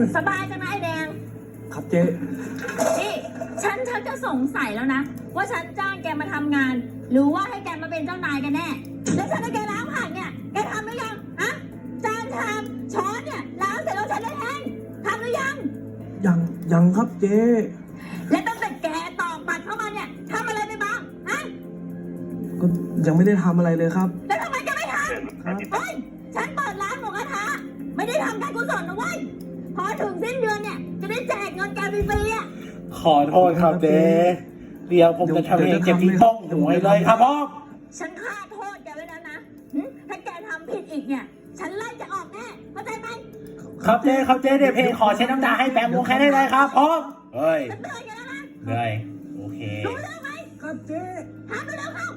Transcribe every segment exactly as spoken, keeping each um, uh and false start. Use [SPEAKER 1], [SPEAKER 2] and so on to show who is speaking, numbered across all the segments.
[SPEAKER 1] สบายจังนะไอแดง
[SPEAKER 2] ครับเจ๊
[SPEAKER 1] นี่ฉันฉันจะสงสัยแล้วนะว่าฉันจ้างแกมาทำงาน หรือว่าให้แกมาเป็นเจ้านายกันแน่แล้วฉันให้แกล้างผักเนี่ยแกทำหรือยังฮะจานชามช้อนเนี่ยล้างเสร็จแล้วฉันได้เองทำหรือยัง
[SPEAKER 2] ยังยังครับเจ๊
[SPEAKER 1] และตั้งแต่แกตอกบัตรเข้ามาเนี่ยทำอะไรไปบ้างฮะ
[SPEAKER 2] ก็ยังไม่ได้ทำอะไรเลยครับ
[SPEAKER 1] แล้วทำไมแกไม่ทำครับเฮ้ยฉันเปิดร้านหมูกระทะไม่ได้ทำการกุศลนะเว้ยพอถึงสิ้นเดือนเนี่ยจะได้แจกเงินแกฟรีๆอ่ะ
[SPEAKER 3] ขอโทษครับเจ๊เดี๋ยวผมจะทำเองเจ็บที่บ้องหวยเลยครับพ่อ
[SPEAKER 1] ฉันฆ่าโทษแกไว้แล้วนะถ้าแกทำผิดอีกเนี่ยฉันไล่จะออกแน่เข้าใจไหม
[SPEAKER 3] ครับเจ๊ครับเจ๊เดี๋ยวเพลงขอเช็ดน้ำตาให้แปมวงแค่ได้เลยครับพ่อเฮ้ย
[SPEAKER 1] เหนื่อยกันแล้วนะ
[SPEAKER 3] เหนื่อยโอเค
[SPEAKER 1] รู้เรื่องไหม
[SPEAKER 2] ครับเจ๊
[SPEAKER 1] ทำไปแล้วเข้า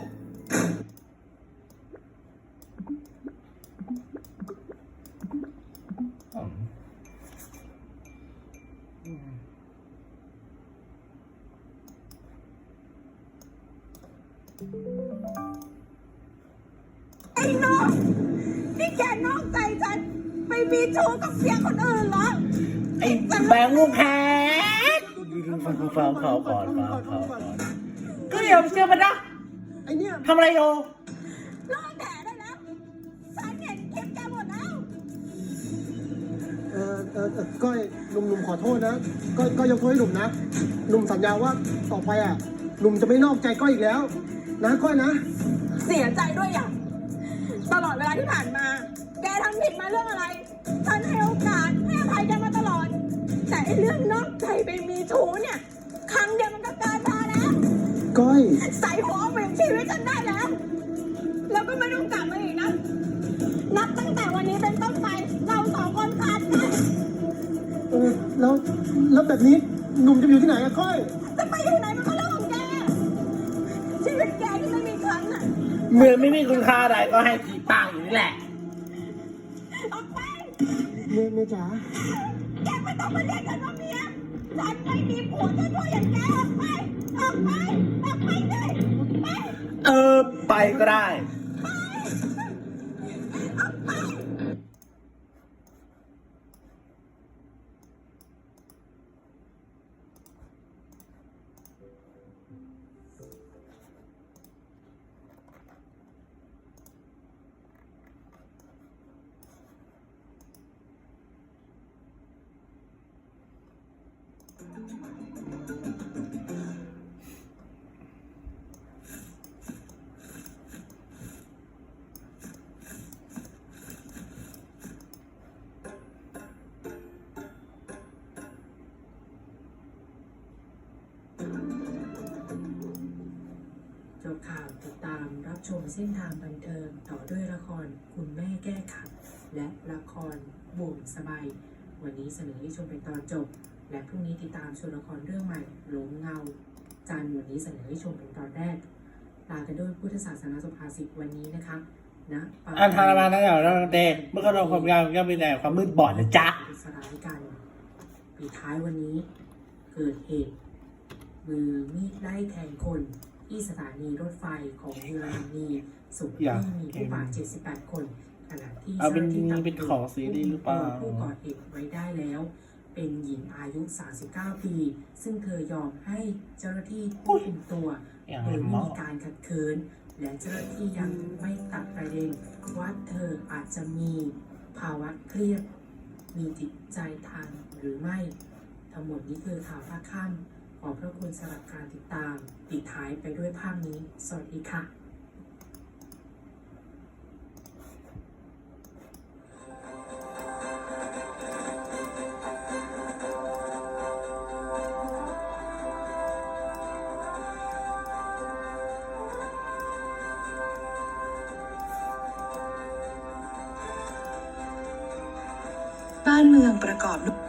[SPEAKER 1] ไอ้น้องนี่แกนอกใจฉันไปมีชู้กับเสียคนอื่นเหรอ
[SPEAKER 3] ไอ้แบงค์ลูกแฮกฟังฟังเขาก่อนฟังเขาก่อนก็อย่าเชื่อมันนะ
[SPEAKER 2] ไอ้เนี่ย
[SPEAKER 3] ทำอะไรโย
[SPEAKER 1] ลองแถได้แล้วฉันเห็นคลิปแกหมดแล้ว
[SPEAKER 2] เออเออก้อยหนุ่มหนุ่มขอโทษนะก้อยก้อยยกโทษให้หนุ่มนะหนุ่มสัญญาว่าต่อไปอ่ะหนุ่มจะไม่นอกใจก้อยอีกแล้วนะก้อยนะ
[SPEAKER 1] เสียใจด้วยอย่างตลอดเวลาที่ผ่านมาแกทำผิดมาเรื่องอะไรฉันให้โอกาสให้อภัยแกมาตลอดแต่เรื่องนอกใจไปมีชู้เนี่ยครั้งเดียวมันก็เกินพอแล้ว
[SPEAKER 2] ก้อย
[SPEAKER 1] ใส่หัวเปลี่ยนชีวิตฉันได้แล้วแล้วก็ไม่ต้องกลับมาอีกนะนับตั้งแต่วันนี้เป็นต้นไปเราสองคนขาดกัน
[SPEAKER 2] เออแล้วแล้วแบบนี้หนุ่มจะอยู่ที่ไหนอะก้อย
[SPEAKER 1] จะไปอยู่ไหนมันก็เรื่องของแกชีวิตแกที่ไม่มีครั้งน่ะ
[SPEAKER 3] เมื่อไม่มีคุณค่าใดก็ให้ผีปางอยู่นี่แหละ
[SPEAKER 1] ออกไป
[SPEAKER 2] เมียเมียจ๋า
[SPEAKER 1] แกไม่ต้องมาเรียกกันว่าเมียฉันไม่มีผัวชั่วๆอย่างแกออกไปออกไปออกไปเลยไป
[SPEAKER 3] เออไปก็ได้
[SPEAKER 4] จบข่าวติดตามรับชมเส้นทางบันเทิงต่อด้วยละครคุณแม่แก้ขัดและละครบ่วงสบายวันนี้เสนอให้ชมเป็นตอนจบและพรุ่งนี้ติดตามชมละครเรื่องใหม่หลงเงาจันทร์วันนี้เสนอให้ชมเป็นตอนแรกลากันด้วยพุทธศาสนาสุภาษิตวันนี้นะคะนะ
[SPEAKER 3] อันทารมานะเดี๋ยวเราเตะเมื่อก็เราความยาวก็เป็นแต่ความมืดบอดนะจ๊ะ
[SPEAKER 4] สลายกันปีท้ายวันนี้เกิดเหตุมือมีดไล่แทงคนที่สถานีรถไฟของเยอรมนีสุดที่มีผู้บาดเจ็บสิบแปดคนขณะที่
[SPEAKER 3] เจ้าหน้าที่เป็นของซีรีส์หรือเปล่า
[SPEAKER 4] ผู้ก่อเหตุไว้ได้แล้วเป็นหญิงอายุสามสิบเก้าปีซึ่งเธอยอมให้เจ้าหน้าที่ควบคุมตัวโดยไม่มีการขัดขืนและเจ้าหน้าที่ยังไม่ตัดประเด็นว่าเธออาจจะมีภาวะเครียดมีจิตใจทางหรือไม่ทั้งหมดนี้คือข่าวภาคค่ำขอบพระคุณสำหรับการติดตามปิดท้ายไปด้วยภาพนี้ สวัสดีค่ะ
[SPEAKER 5] บ้านเมืองประกอบด้วย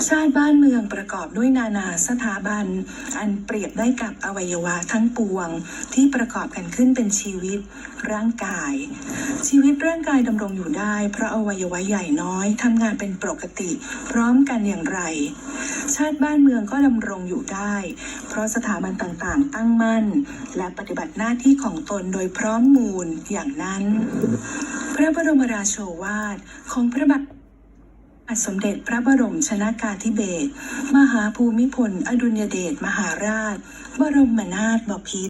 [SPEAKER 5] ชาติบ้านเมืองประกอบด้วยนานาสถาบัน อันเปรียบได้กับอวัยวะทั้งปวง ที่ประกอบกันขึ้นเป็นชีวิตร่างกาย ชีวิตร่างกายดำรงอยู่ได้เพราะอวัยวะใหญ่น้อยทำงานเป็นปกติพร้อมกันอย่างไร ชาติบ้านเมืองก็ดำรงอยู่ได้ เพราะสถาบันต่างๆตั้งมั่น และปฏิบัติหน้าที่ของตนโดยพร้อมมูลอย่างนั้น พระบรมราโชวาทของพระบาทสมเด็จพระบรมชนากาธิเบศรมหาภูมิพลอดุลยเดชมหาราช บรมนาถบพิตร